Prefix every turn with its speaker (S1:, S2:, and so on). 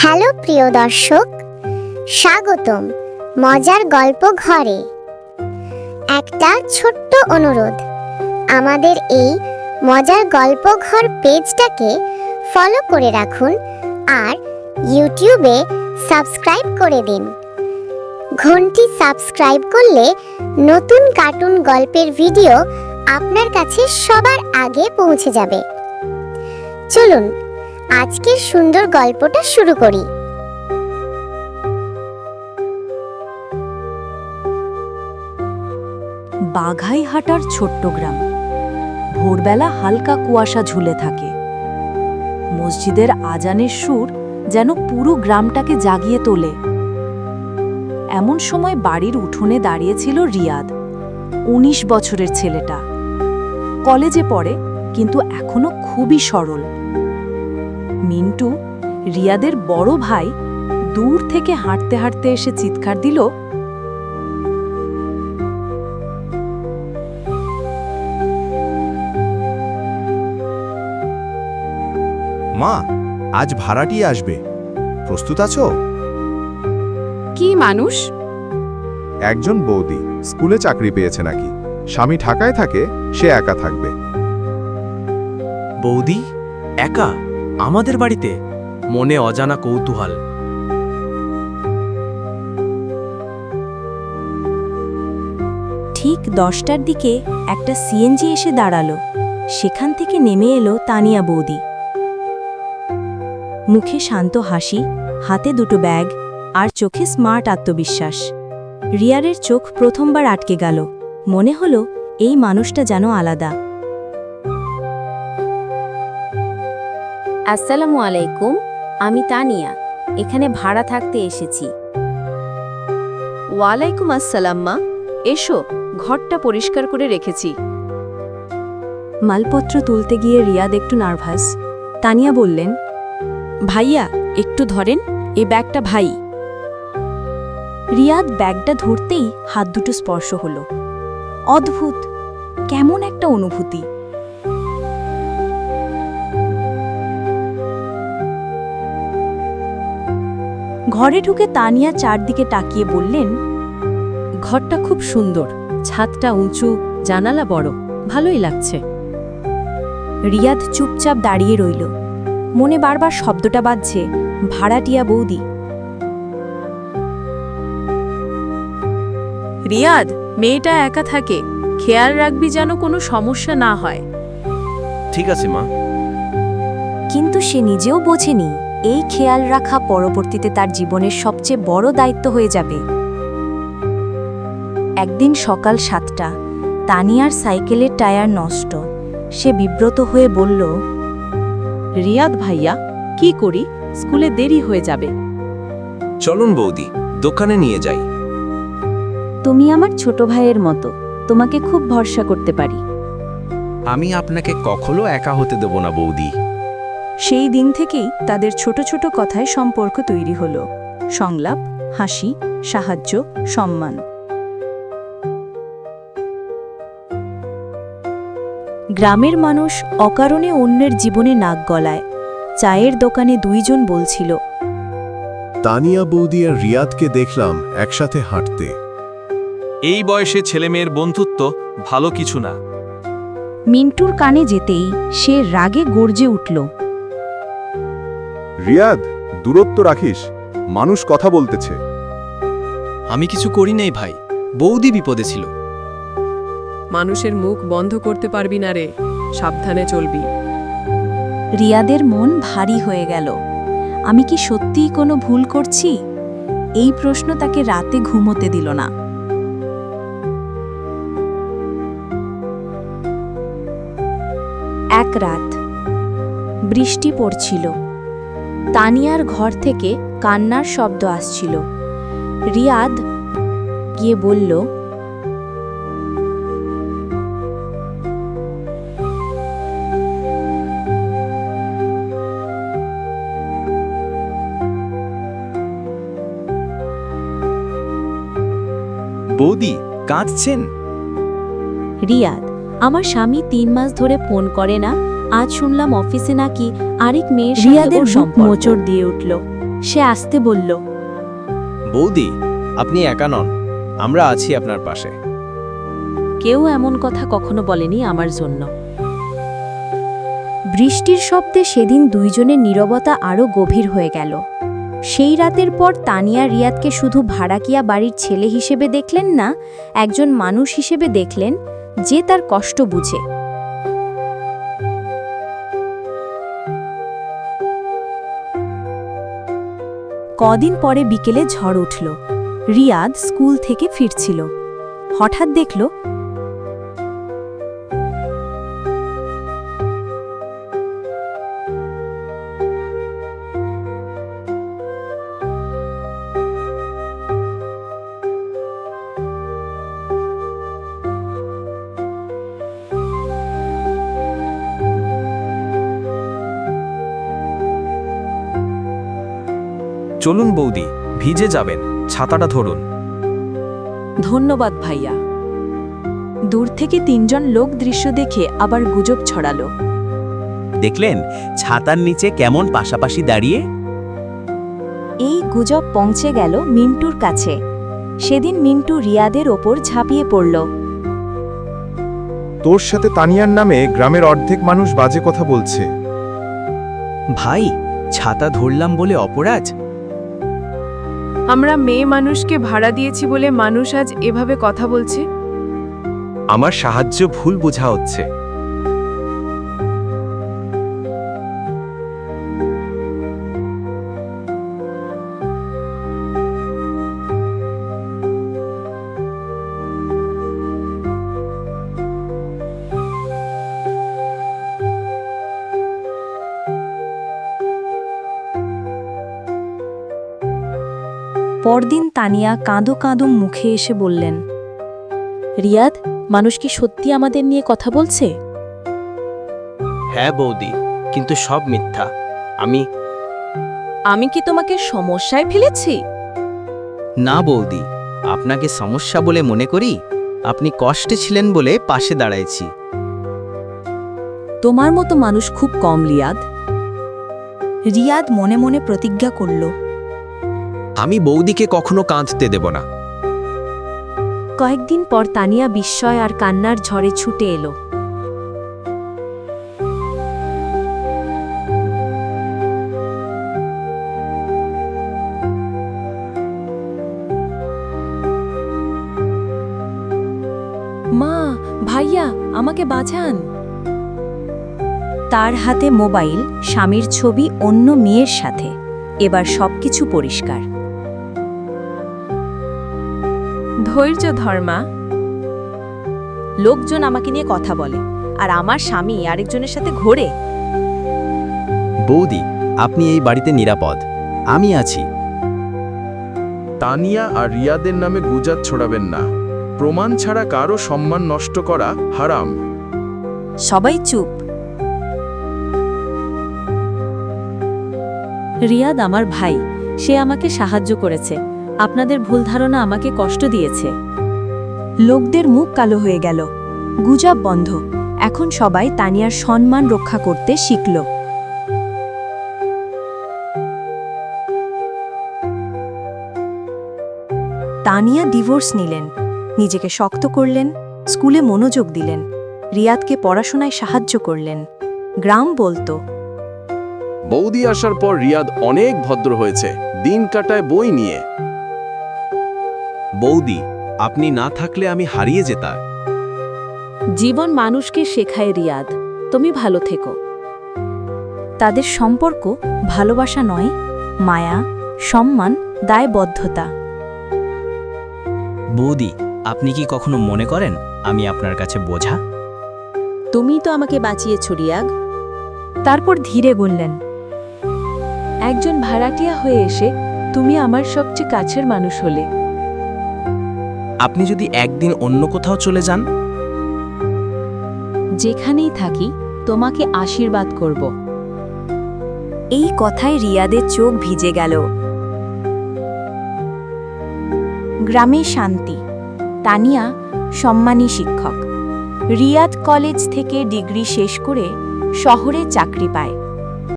S1: Hello প্রিয় দর্শক, স্বাগতম মজার গল্প ঘরে। একটা ছোট্ট অনুরোধ, আমাদের এই মজার গল্প ঘর পেজটাকে ফলো করে রাখুন আর ইউটিউবে সাবস্ক্রাইব করে দিন। ঘন্টি সাবস্ক্রাইব করলে নতুন কার্টুন গল্পের ভিডিও আপনার কাছে সবার আগে পৌঁছে যাবে। চলুন আজকের সুন্দর গল্পটা শুরু করি।
S2: বাঘাইহাটার ছোট্ট গ্রাম। ভোরবেলা হালকা কুয়াশা ঝুলে থাকে। মসজিদের আজানের সুর যেন পুরো গ্রামটাকে জাগিয়ে তোলে। এমন সময় বাড়ির উঠোনে দাঁড়িয়েছিল রিয়াদ, ১৯ বছরের ছেলেটা। কলেজে পড়ে, কিন্তু এখনো খুবই সরল। মিন্টু, রিয়াদের বড় ভাই, দূর থেকে হাঁটতে হাঁটতে এসে চিৎকার দিল,
S3: মা, আজ ভাড়াটিয়া আসবে, প্রস্তুত আছো?
S4: কি মানুষ?
S3: একজন বৌদি, স্কুলে চাকরি পেয়েছে নাকি। স্বামী ঢাকায় থাকে, সে একা থাকবে।
S5: বৌদি একা আমাদের বাড়িতে? মনে অজানা কৌতূহল।
S2: ঠিক 10টার দিকে একটা সিএনজি এসে দাঁড়ালো। সেখান থেকে নেমে এলো তানিয়া বৌদি। মুখে শান্ত হাসি, হাতে দুটো ব্যাগ আর চোখে স্মার্ট আত্মবিশ্বাস। রিয়ারের চোখ প্রথমবার আটকে গেল। মনে হলো এই মানুষটা যেন আলাদা। আসসালামু আলাইকুম, আমি তানিয়া, এখানে ভাড়া থাকতে এসেছি। ওয়ালাইকুম আসসালাম মা, এসো, ঘরটা পরিষ্কার করে রেখেছি। মালপত্র তুলতে গিয়ে রিয়াদ একটু নার্ভাস। তানিয়া বললেন, ভাইয়া একটু ধরেন, এ ব্যাগটা ভাই। রিয়াদ ব্যাগটা ধরতেই হাত দুটো স্পর্শ হলো। অদ্ভুত, কেমন একটা অনুভূতি। ঘরে ঢুকে তানিয়া চারদিকে তাকিয়ে বললেন, ঘরটা খুব সুন্দর, ছাদটা উঁচু, জানালা বড়, ভালোই লাগছে। রিয়াদ চুপচাপ দাঁড়িয়ে রইল। মনে বারবার শব্দটা বাজছে, ভাড়াটিয়া বৌদি।
S4: রিয়াদ, মেয়েটা একা থাকে, খেয়াল রাখবি যেন কোনো সমস্যা না হয়।
S5: ঠিক আছে মা।
S2: কিন্তু সে নিজেও বোঝেনি এই খেয়াল রাখা পরবর্তীতে তার জীবনের সবচেয়ে বড় দায়িত্ব হয়ে যাবে। একদিন সকাল 7টা, তানিয়ার সাইকেলের টায়ার নষ্ট। সে বিব্রত হয়ে বলল,
S4: রিয়াদ ভাইয়া, কি করি, স্কুলে দেরি হয়ে যাবে।
S5: চলুন বৌদি, দোকানে নিয়ে যাই।
S2: তুমি আমার ছোট ভাইয়ের মতো, তোমাকে খুব ভরসা করতে পারি।
S5: আমি আপনাকে কখনো একা হতে দেব না বৌদি।
S2: সেই দিন থেকেই তাদের ছোট ছোট কথায় সম্পর্ক তৈরি হলো। সংলাপ, হাসি, সাহায্য, সম্মান। গ্রামের মানুষ অকারণে অন্যের জীবনে নাক গলায়। চায়ের দোকানে দুইজন বলছিল,
S3: তানিয়া বৌদি আর রিয়াদকে দেখলাম একসাথে হাঁটতে।
S5: এই বয়সে ছেলেমেয়ের বন্ধুত্ব ভালো কিছু না।
S2: মিন্টুর কানে যেতেই সে রাগে গর্জে উঠল,
S3: রিয়াদ, দূরত্ব রাখিস, মানুষ কথা বলতেছে।
S5: আমি কিছু করি নাই ভাই, বৌদি বিপদে ছিল।
S4: মানুষের মুখ বন্ধ করতে পারবি না রে, সাবধানে চলবি।
S2: রিয়াদের মন ভারী হয়ে গেল। আমি কি সত্যিই কোনো ভুল করছি? এই প্রশ্ন তাকে রাতে ঘুমোতে দিল না। এক রাত বৃষ্টি পড়ছিল। তানিয়ার ঘর থেকে কান্নার শব্দ আসছিল। রিয়াদ গিয়ে বলল,
S5: বৌদি কাঁদছেন?
S2: রিয়াদ, আমার স্বামী 3 মাস ধরে ফোন করে না। আজ শুনলাম অফিসে নাকি আরেক মেয়ের
S4: রিয়াদের
S2: সাথে ওর
S4: বুক
S2: মোচড় দিয়ে উঠল। সে আসতে বলল,
S5: বৌদি, আপনি একা নন, আমরা আছি আপনার পাশে।
S2: কেউ এমন কথা কখনো বলেনি আমার জন্য। বৃষ্টির শব্দে সেদিন দুইজনের নীরবতা আরও গভীর হয়ে গেল। সেই রাতের পর তানিয়া রিয়াদকে শুধু ভাড়াকিয়া বাড়ির ছেলে হিসেবে দেখলেন না, একজন মানুষ হিসেবে দেখলেন যে তার কষ্ট বুঝে। কদিন পরে বিকেলে ঝড় উঠল। রিয়াদ স্কুল থেকে ফিরছিল। হঠাৎ দেখল
S5: চলুন বৌদি, ভিজে যাবেন, ছাতাটা ধরুন।
S2: ধন্যবাদ ভাইয়া। দূর থেকে তিনজন লোক দৃশ্য দেখে আবার গুজব ছড়ালো।
S6: দেখলেন ছাতার নিচে কেমন পাশাপাশি দাঁড়িয়ে?
S2: এই গুজব পৌঁছে গেল মিন্টুর কাছে। সেদিন মিন্টু রিয়াদের ওপর ঝাঁপিয়ে পড়ল।
S3: তোর সাথে তানিয়ার নামে গ্রামের অর্ধেক মানুষ বাজে কথা বলছে।
S6: ভাই, ছাতা ধরলাম বলে অপরাধ?
S4: আমরা মেয়ে মানুষকে ভাড়া দিয়েছি বলে মানুষ আজ এভাবে কথা বলছে।
S5: আমার সাহায্য ভুল বোঝা হচ্ছে।
S2: পরদিন তানিয়া কাঁদো কাঁদো মুখে এসে বললেন, রিয়াদ, মানুষ কি সত্যি আমাদের নিয়ে কথা বলছে?
S6: হ্যাঁ বৌদি, কিন্তু সব মিথ্যা।
S2: আমি কি তোমাকে সমস্যায় ফেলেছি?
S6: না বৌদি, আপনাকে সমস্যা বলে মনে করি। আপনি কষ্টে ছিলেন বলে পাশে দাঁড়াইছি।
S2: তোমার মতো মানুষ খুব কম রিয়াদ। রিয়াদ মনে মনে প্রতিজ্ঞা করল,
S5: আমি বৌদিকে কখনো কাঁদতে দেব না।
S2: কয়েকদিন পর তানিয়া বিস্ময় আর কান্নার ঝড়ে ছুটে এলো। মা, ভাইয়া, আমাকে বাঁচান। তার হাতে মোবাইল, স্বামীর ছবি অন্য মেয়ের সাথে। এবার সবকিছু পরিষ্কার।
S4: ধৈর্য ধর মা।
S2: লোকজন আমাকে নিয়ে কথা বলে, আর আমার স্বামী আরেকজনের সাথে ঘোরে।
S6: বৌদি, আপনি এই বাড়িতে নিরাপদ, আমি আছি।
S3: তানিয়া আর রিয়াদের নামে গুজব ছড়াবেন না। প্রমাণ ছাড়া কারো সম্মান নষ্ট করা হারাম।
S2: সবাই চুপ। রিয়াদ আমার ভাই, সে আমাকে সাহায্য করেছে। আপনাদের ভুল ধারণা আমাকে কষ্ট দিয়েছে। লোকদের মুখ কালো হয়ে গেল। গুজব বন্ধ। এখন সবাই তানিয়ার সম্মান রক্ষা করতে শিখল। তানিয়া ডিভোর্স নিলেন, নিজেকে শক্ত করলেন, স্কুলে মনোযোগ দিলেন, রিয়াদকে পড়াশোনায় সাহায্য করলেন। গ্রাম বলতো,
S7: বৌদি আসার পর রিয়াদ অনেক ভদ্র হয়েছে, দিন কাটায় বই নিয়ে।
S6: বৌদি, আপনি না থাকলে আমি হারিয়ে যেতাম।
S2: জীবন মানুষকে শেখায় রিয়াদ, তুমি ভালো থেকো। তাদের সম্পর্ক ভালোবাসা নয়, মায়া, সম্মান, দায়বদ্ধতা।
S6: বৌদি, আপনি কি কখনো মনে করেন আমি আপনার কাছে বোঝা?
S2: তুমি তো আমাকে বাঁচিয়েছ রিয়াদ। তারপর ধীরে বললেন, একজন ভাড়াটিয়া হয়ে এসে তুমি আমার সবচেয়ে কাছের মানুষ হলে।
S6: আপনি যদি একদিন অন্য কোথাও চলে যান?
S2: যেখানেই থাকি তোমাকে আশীর্বাদ করব। এই কথায় রিয়াদের চোখ ভিজে গেল। গ্রামে শান্তি। তানিয়া সম্মানী শিক্ষক। রিয়াদ কলেজ থেকে ডিগ্রি শেষ করে শহরে চাকরি পায়।